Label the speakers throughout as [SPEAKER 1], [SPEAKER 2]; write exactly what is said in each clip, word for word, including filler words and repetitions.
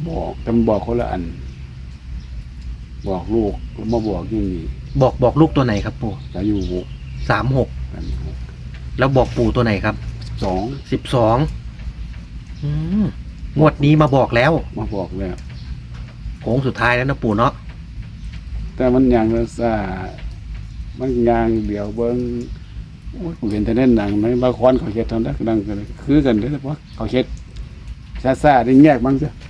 [SPEAKER 1] บอกจำบอกคนละอัน บอกลูกแล้วมาบอกอย่างนี้
[SPEAKER 2] บอกบอกลูกตัวไหนครับปู่
[SPEAKER 1] จะอยู่หก
[SPEAKER 2] สามหก
[SPEAKER 1] กัน
[SPEAKER 2] แล้วบอกปู่ตัวไหนครับ
[SPEAKER 1] สอง
[SPEAKER 2] สิบสองงวดนี้มาบอกแล้ว
[SPEAKER 1] มาบอกแล้ว
[SPEAKER 2] โค้งสุดท้ายแล้วนะปู่เนาะ
[SPEAKER 1] แต่มันยังละซามันยางเดี๋ยวเบิ้งโอ้ยกูเห็นแต่เล่นหนังไหมบางคนเขาเช็ดทำได้ดังกันเลยคือกันเลยเพราะเขาเช็ดซาซาได้แยกบ้างจ้ะ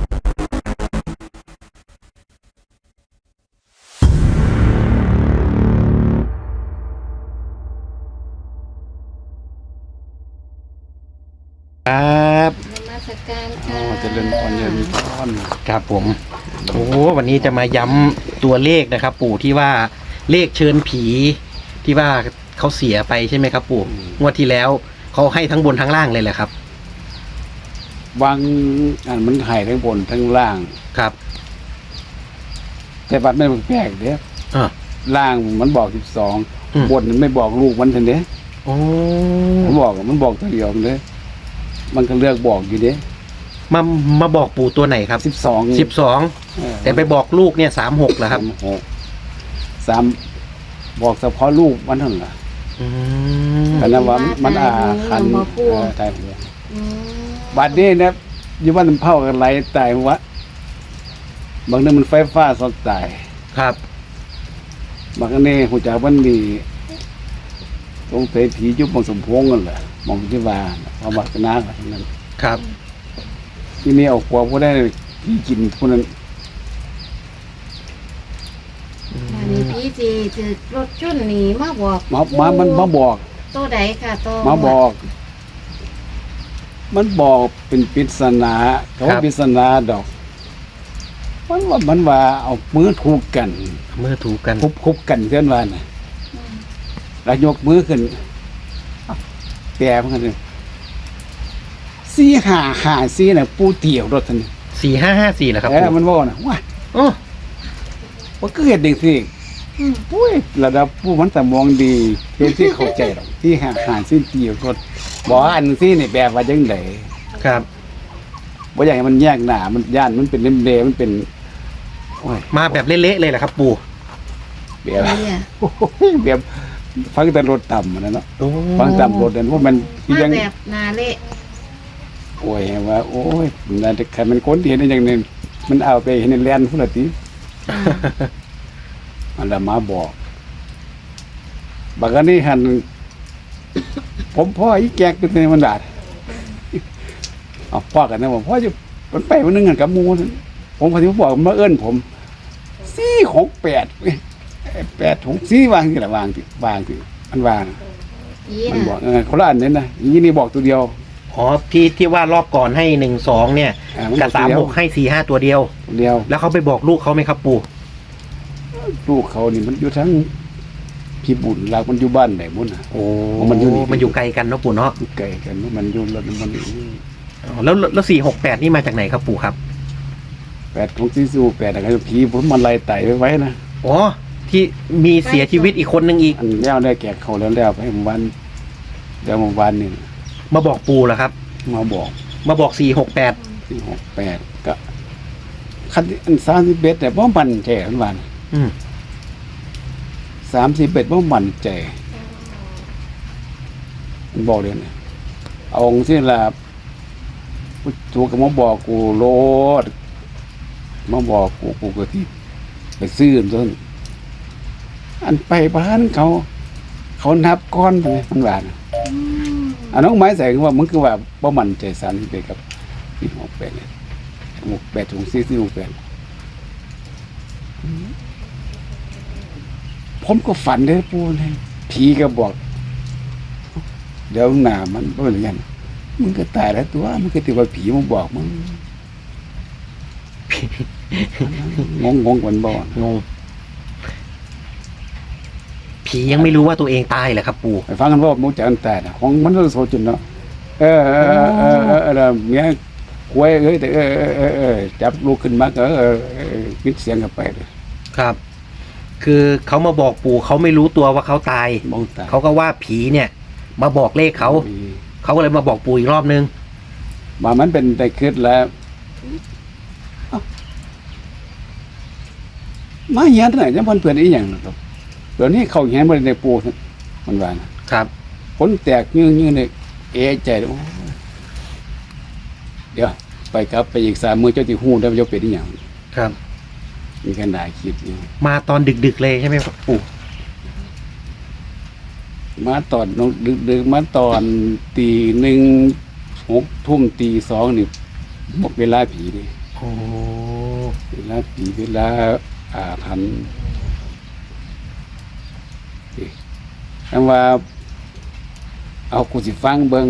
[SPEAKER 2] ครับ
[SPEAKER 3] นมัสการ
[SPEAKER 1] อ๋
[SPEAKER 3] ค่ะ
[SPEAKER 1] อจะเล่นตอนเย็นตอน
[SPEAKER 2] ครับผมโอ้วันนี้จะมาย้ำตัวเลขนะครับ ปู่ที่ว่าเลขเชิญผีที่ว่าเขาเสียไปใช่ไหมครับ ปู่งวดที่แล้วเขาให้ทั้งบนทั้งล่างเลยแหละครับ
[SPEAKER 1] บางอันมันหายทั้งบนทั้งล่าง
[SPEAKER 2] ครับ
[SPEAKER 1] แต่บัดไม่แปลกเด้
[SPEAKER 2] อ่า
[SPEAKER 1] ล่างมันบอกสิบสอง
[SPEAKER 2] อืม
[SPEAKER 1] บนมันไม่บอกลูกมันทันเด้
[SPEAKER 2] โอ้
[SPEAKER 1] มันบอกมันบอกตัวเดียวเด้มันก็เลือกบอกอยู่เด้
[SPEAKER 2] มามาบอกปู่ตัวไหนครับ
[SPEAKER 1] สิบสอง
[SPEAKER 2] สิบสองแต่ไปบอกลูกเนี่ยสามหกเหรอครับ
[SPEAKER 1] สามหกสามบอกเฉพาะลูกมันเท่านั้นล่ะ
[SPEAKER 2] อืม
[SPEAKER 1] อันนั้นว่ามันมันอาคันเออตายหัว
[SPEAKER 3] อืม
[SPEAKER 1] บัดนี้นะอยู่บ้านมันเผากันไหลตายวะบางเรื่องมันไฟฟ้าสดตาย
[SPEAKER 2] ครับ
[SPEAKER 1] บางอันนี้หูจักวันดีตรงเตะผียุบบางสมพงษ์กันแหละมองที่ว่าพอบักนากันทั้งนั้น
[SPEAKER 2] ครับ
[SPEAKER 1] ที่นี่เอาขวบก็ได้ผีกินคนนั้น
[SPEAKER 3] อันนี้พี่จีถือรถจุ่นหนีมาบอก
[SPEAKER 1] มามามันมาบอก
[SPEAKER 3] ตัวใดค่ะตัว
[SPEAKER 1] มาบอก มันบอกเป็นปริศนาเขาว่าปริศนาดอก มันว่ามันว่าเอามือถูกกัน
[SPEAKER 2] เมื่อถูกกัน
[SPEAKER 1] คุบคุบกันเพื่อนว่าน่ะแล้วยกมือขึ้นแปรมันกันเลยสี่หาหาสี่น่ะปูเตี่ยวรถทัน
[SPEAKER 2] สี่ห้าห้าสี่เหรอครับ
[SPEAKER 1] เออ
[SPEAKER 2] ปู่
[SPEAKER 1] มันว่าน่ะว้า
[SPEAKER 2] โอ้
[SPEAKER 1] ว่าก็เห็นเด็กสิ
[SPEAKER 3] อืม
[SPEAKER 1] ปุ้ยระดับผู้มันแต่มองดีเพื่อนที่เข้าใจหรอกที่หาหาสี่เตี่ยวรถบอกว่าอันสี่นี่แบบว่าจังได
[SPEAKER 2] ครับ
[SPEAKER 1] บ่อยากให้มันแยกหน้ามันย่านมันเป็นเล่มเดมันเป็นโอ้ย
[SPEAKER 2] มาแบบเละๆเลยเหรอครับ ปู่
[SPEAKER 1] แบบ
[SPEAKER 3] เนี่ย
[SPEAKER 1] โอ้ยแบบฟังแต่รถต่ำนะเนาะ
[SPEAKER 2] โอ้
[SPEAKER 1] ฟังต่ำรถนั่นว่ามันคือ
[SPEAKER 3] มา
[SPEAKER 1] ยัง
[SPEAKER 3] แบบนาเละ
[SPEAKER 1] โอ้ยว่าโอ้ยมันจะใครมันคนที่เห็นได้อย่างหนึงมันเอาไปเห็นในแลนด์พุ่นละติมันละมาบอกบางอันนี้หัน ผมพ่ออีแกกเป็นมันดาดเอาพ่อกันนะผมพ่อจะมันไปมันนึงกันกับหมูนั่นผมพอดีผมบอกมาเอิ้นผมสี่ของแปดเว้ยแปดของสี่วางที่ละวางที่วางที่มันวาง
[SPEAKER 3] ผี
[SPEAKER 1] มัน
[SPEAKER 3] น่ะ
[SPEAKER 1] บอกเออคนละอันนี้นะอีนี่บอกตัวเดียว
[SPEAKER 2] อ๋อที่ที่ว่ารอบก่อนให้หนึ่งสองเนี่ย
[SPEAKER 1] อ่ามัน
[SPEAKER 2] กับ
[SPEAKER 1] ตั
[SPEAKER 2] สาว ม
[SPEAKER 1] เดียว
[SPEAKER 2] หกให้สี่ห้าตัวเดียว
[SPEAKER 1] ตัวเดียว
[SPEAKER 2] แล้วเขาไปบอกลูกเขาไหมครับ ปู่
[SPEAKER 1] ลูกเขานี่มันอยู่ทั้งพี่บุญลากมันอยู่บ้านไหนบุญน่ะ
[SPEAKER 2] โอ้
[SPEAKER 1] มันอยู่นี่
[SPEAKER 2] มันอยู่ไกลกันเนาะปู่เนาะ
[SPEAKER 1] อยู่ไกลกันมันอยู่รถมัน
[SPEAKER 2] อ๋อแล้วแล้วสี่หกแปดนี่มาจากไหนครับปู่ครับ
[SPEAKER 1] แปดของซีซูแปดอะไรผีผมมันไล่ไต่ไว้ไว้นะ
[SPEAKER 2] อ๋อที่มีเสียชีวิตอีกคนนึงอีก
[SPEAKER 1] อันแล้วได้แก่เขาแล้วแล้วไปเมื่อวันเดี๋ยวเมื่อวานนี่
[SPEAKER 2] มาบอกปู่เหรอครับ
[SPEAKER 1] มาบอก
[SPEAKER 2] มาบอกสี่หกแปด
[SPEAKER 1] ที่หกแปดก็คันอันสามสิบเอ็ดแต่บ่มันใจอันวัน
[SPEAKER 2] อืม
[SPEAKER 1] สามสิบเอ็ดบ่มันใจมันบอกเลยนะเอาองค์ที่ละผู้ถูกก็มาบอกกูโลดมาบอกกูกูก็ที่ไปซื้อต้นอันไปบ้านเขา เขานับก้อนไปมันว่านะ
[SPEAKER 3] อืม
[SPEAKER 1] อันน้องไม้ใส่คือว่ามันคือว่าบ่มันใจสันไปกับที่หกแปดเนี่ยหกแปดถุงซีซีหกแปดผมก็ฝันได้ปูเลยผีก็บอก เดี๋ยวหน้ามันก็เหมือนกันมึงก็ตายแล้วตัวมึงก็ติว่าผีมึงบอกมึงงงงงกันบ่
[SPEAKER 2] งงผียังไม่รู้ว่าตัวเองตายเหรอครับ ปู่
[SPEAKER 1] ไปฟังกันว่ามึงจะอันตายนะของมันก็โซจนเนาะเออเออเออเออเออเมียควยเอ้ยแต่เออเออเออเออจับลูกขึ้นมาก็เออปิดเสียงกันไปเลย
[SPEAKER 2] ครับ คือเขามาบอกปู่เขาไม่รู้ตัวว่าเขาตาย
[SPEAKER 1] มองตา
[SPEAKER 2] เขาก็ว่าผีเนี่ย มาบอกเลขเขา เขาก็เลยมาบอกปู่อีกรอบนึง
[SPEAKER 1] มามันเป็นแต่คิดแล้วมาเหียนเท่าไหร่จะเพิ่นเพิ่นอีหยังนะครับเดี๋ยวนี้เขาเหียนบ่ได้ในปูมันว่านะครับ ผลแตกยื้อๆนี่เอะใจโอ้ยเดี๋ยวไปกลับไปอีกสามมื้อเจ้าสิฮู้ได้ว่าเจ้าเป็นอีหยัง
[SPEAKER 2] ครับ
[SPEAKER 1] มีกันได้คิดอยู่
[SPEAKER 2] มาตอนดึกๆเลยใช่ไหมครับปู่
[SPEAKER 1] มาตอนดึกๆมาตอนตีหนึ่งหกทุ่มตีสองนี่หมดเวลาผีนี่
[SPEAKER 2] โอ้
[SPEAKER 1] เวลาผีเวลาอาถรรพ์นี่คำว่า เอากูสิฟังเบิง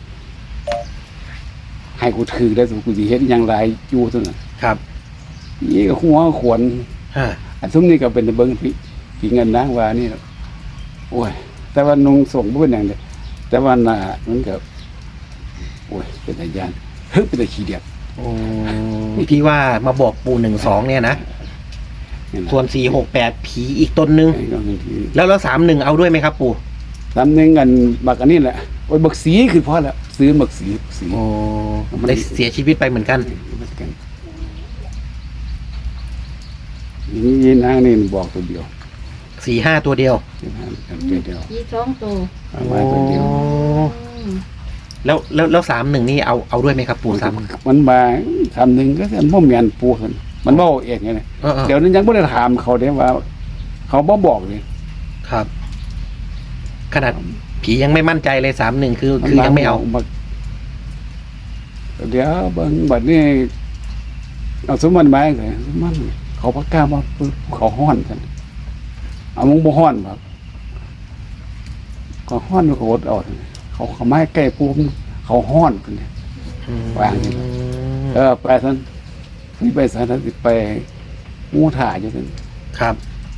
[SPEAKER 1] ให้กูถือได้สมกูสิเฮ็ดอย่างไรอยู่ตัวนั้น
[SPEAKER 2] ครับ
[SPEAKER 1] นี่ก็หัวขวน
[SPEAKER 2] ฮะ
[SPEAKER 1] อันซุมนี้ก็เป็นเบิงผีผีเงินนางว่านี่ล่ะโอ้ย แต่ว่านุงส่งบ่เป็นอย่างเดียวแต่ว่าหน้ามันก็โอ้ยเป็นตาย่านเฮ้ยเป็นตาขี้เดียด
[SPEAKER 2] โอ้ที่ว่ามาบอกปู่หนึ่งสองเนี่ยนะ
[SPEAKER 1] นี่ล่ะ
[SPEAKER 2] ส่วนสี่หกแปดผีอีกตนนึง
[SPEAKER 1] ไอ้ก็บางที
[SPEAKER 2] แล้วแล้วสามหนึ่งเอาด้วยไหมครับปู่
[SPEAKER 1] ตำหนึงกันบักอันนี้แหละโอ้ยบักสีคือพอแล้วซื้อบักสีบักสี
[SPEAKER 2] โอ้ได้เสียชีวิตไปเหมือนกัน
[SPEAKER 1] เหมือนกันนี่ยีนางนี่บอกตัวเดียว
[SPEAKER 2] สี่ห้าตัวเดียว
[SPEAKER 1] ยีนางกันตัวเดียว
[SPEAKER 3] ผีสองตัว
[SPEAKER 1] เอามาตัวเดียว
[SPEAKER 2] โอ้
[SPEAKER 3] อืม
[SPEAKER 2] แล้วแล้วแล้วสามหนึ่งนี่เอาเอาด้วยไหมครับปู่สาม
[SPEAKER 1] มันมาทำหนึ่งก็จะบ่แม่นปูซั่นมันบ่เองไงนะ
[SPEAKER 2] เออเออ
[SPEAKER 1] เดี๋ยวนั้นยังบ่ได้ถามเขาเด้ว่า เขาบ่บอกเลย
[SPEAKER 2] ครับ ขนาดผียังไม่มั่นใจเลยสามหนึ่งคือคือยังไม่เอา
[SPEAKER 1] บักเดี๋ยวเบิ่งบัดนี้เอาสมมันมาจังซี่สมมันเขาประกาศว่าปึ๊บเขาฮ้อนซั่นเอามึงบ่ฮ้อนบ่ก็ฮ้อนมันก็อดเอาซั่นเขาเขาไม้ใกล้ปูมเขาฮ้อนกันเนี่ย วางอยู่ เออไปซั่นนี่ไปซั่นสิไปงูถ่าอยู่ซั่น
[SPEAKER 2] ครับ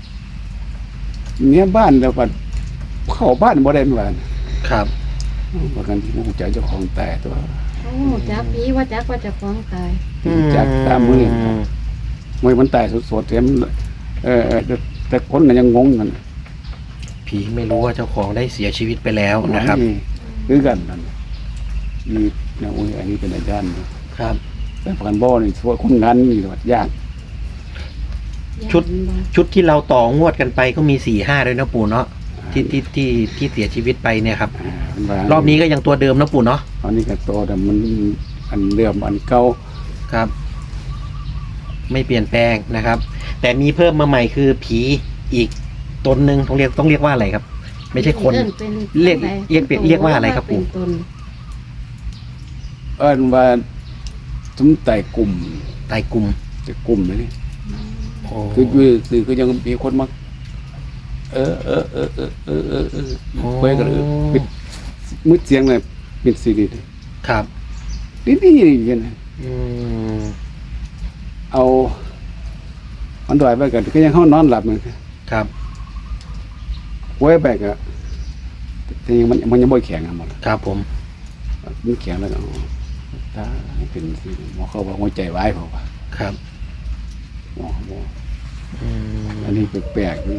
[SPEAKER 1] เนี่ยบ้านแล้วก็เข้าบ้านบ่ได้เหมือนกัน
[SPEAKER 2] ครับ
[SPEAKER 1] ว่ากันที่ฮู้จักเจ้าของแต่ตัว
[SPEAKER 3] โอ้จักผีว่าจักว่าจะฟ้องตาย
[SPEAKER 1] รู้จักตามมือมวยมันตายสดๆเต็มเออเออแต่แต่คนก็ยังงงกัน
[SPEAKER 2] ผีไม่รู้ว่าเจ้าของได้เสียชีวิตไปแล้วนะครับ
[SPEAKER 1] นี่คือกันนั่นนี่นะโอ้ยอันนี้เป็นอาจารย์นะ
[SPEAKER 2] ครับ
[SPEAKER 1] แต่พันบ่อนี่ทั่วคนงานนี่วัดยาก
[SPEAKER 2] ชุด ชุดที่เราต่องวดกันไปก็มีสี่ห้าด้วยนะปู่เนาะที่ที่ที่ที่เสียชีวิตไปเนี่ยครับ
[SPEAKER 1] อ่ามันว่าร
[SPEAKER 2] อบนี้ก็ยังตัวเดิมนะปู่เนาะ
[SPEAKER 1] อันนี้ก็โตแต่มันอันเดิมอันเก่า
[SPEAKER 2] ครับ ไม่เปลี่ยนแปลงนะครับ แต่มีเพิ่มมาใหม่คือผีอีกตนหนึ่งต้องเรียกต้องเรียกว่าอะไรครับ ไม่ใช่คน
[SPEAKER 3] อิ้เป็น
[SPEAKER 2] เรียก
[SPEAKER 3] อะไร
[SPEAKER 2] เรียกเปลี่ยนเรียกว่าอะไรครับปู่
[SPEAKER 3] เป็นตน
[SPEAKER 1] เอิ้นว่าสมไต่กลุ่ม
[SPEAKER 2] ตายกลุ่ม
[SPEAKER 1] แต่กลุ่มนี่
[SPEAKER 2] โอ้
[SPEAKER 1] คือคือคือก็ยังมีคนมาเออเออเออเออเออเออเออเว้ยก็เลยปิดมืดเสียงเลยปิดซีดี
[SPEAKER 2] ครับ
[SPEAKER 1] นี่นี่อย่างนี้
[SPEAKER 2] อืม
[SPEAKER 1] เอามันดอยไปกันก็ยังห้องนอนหลับเหมือนกัน
[SPEAKER 2] ครับ
[SPEAKER 1] ไว้ไปก็แต่ยังมันมันยังบ่แข็งอ่ะหมด
[SPEAKER 2] ครับผม
[SPEAKER 1] มันแข็งแล้วก็อ๋อตาเป็นสิหมอเขาบอกหัวใจวายเขาว่า
[SPEAKER 2] ครับ
[SPEAKER 1] หมอหมอ
[SPEAKER 2] อืม
[SPEAKER 1] อันนี้แปลกๆนี่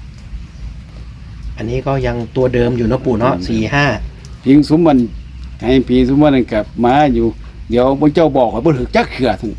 [SPEAKER 2] อันนี้ก็ยังตัวเดิมอยู่เนาะปู่เนาะสี่ห้า
[SPEAKER 1] พิงสมมันให้พีสมมันนกับมาอยู่ เดี๋ยวพระเจ้าบอกว่าบ่ถึกจักเขือทั้ง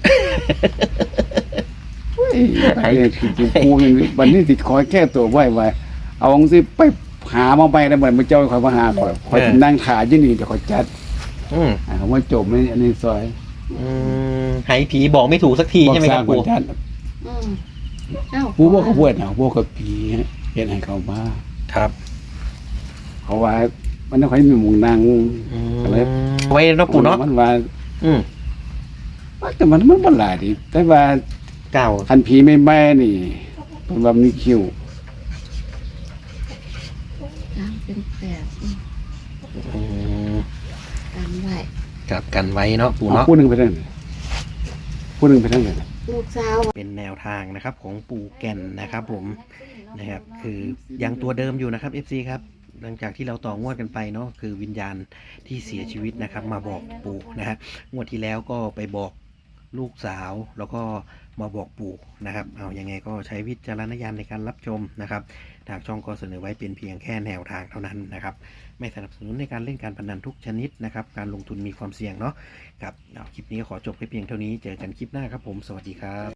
[SPEAKER 1] เฮ้ยไอ้คือจิปูนี่บัดนี้สิคอยแก้ตัวไว้ไว้เอาจังซี่ไปหามาไปแล้วเหมือนพระเจ้าคอยมาหาคอยคอยสินั่งถ่ายอยู่นี่เดี๋ยวคอยจัด
[SPEAKER 2] อืม
[SPEAKER 1] อ่าว่าจบนี่อันนี้ซอย
[SPEAKER 2] อืมให้ผีบอกไม่ถูกสักทีใช่ไหมครับ
[SPEAKER 1] บอก
[SPEAKER 2] ปู่
[SPEAKER 1] สร้างนจัด
[SPEAKER 3] อืมเอ้า
[SPEAKER 1] ผู้บอกเขาบวชนะพวกกับผีเฮ็ดให้เขามา
[SPEAKER 2] ครับ
[SPEAKER 1] เขาว่ามันต้องให้มีหมุงนาง
[SPEAKER 2] อืม
[SPEAKER 1] อะไร
[SPEAKER 2] ไว้เนาะปู่เนาะ
[SPEAKER 1] มันว่า
[SPEAKER 2] อืม
[SPEAKER 1] แต่มันมันบ่หลายดิแต่ว่า
[SPEAKER 2] เก่า
[SPEAKER 1] คันผีไม่แม่นี่เพิ่นว่ามีคิว
[SPEAKER 3] สามเป็นแปดอืม
[SPEAKER 2] อืม
[SPEAKER 3] กันไว้
[SPEAKER 2] กับกันไว้เนาะปู่เนาะ
[SPEAKER 1] ผู้หนึงไปทางไหนผู้หนึงไปทางไหน
[SPEAKER 3] ลูกสาว
[SPEAKER 2] เป็นแนวทางนะครับของปู่แก่นนะครับผมนะครับคือยังตัวเดิมอยู่นะครับ เอฟ ซี ครับหลังจากที่เราต่องวดกันไปเนาะคือวิญญาณที่เสียชีวิตนะครับ มาบอกปู่นะฮะงวดที่แล้วก็ไปบอกลูกสาวแล้วก็มาบอกปู่นะครับเอายังไงก็ใช้วิจารณญาณในการรับชมนะครับทางช่องก็เสนอไว้เป็นเพียงแค่แนวทางเท่านั้นนะครับไม่สนับสนุนในการเล่นการพนันทุกชนิดนะครับการลงทุนมีความเสี่ยงเนาะครับเอาคลิปนี้ก็ขอจบไปเพียงเท่านี้เจอกันคลิปหน้าครับผมสวัสดีครับ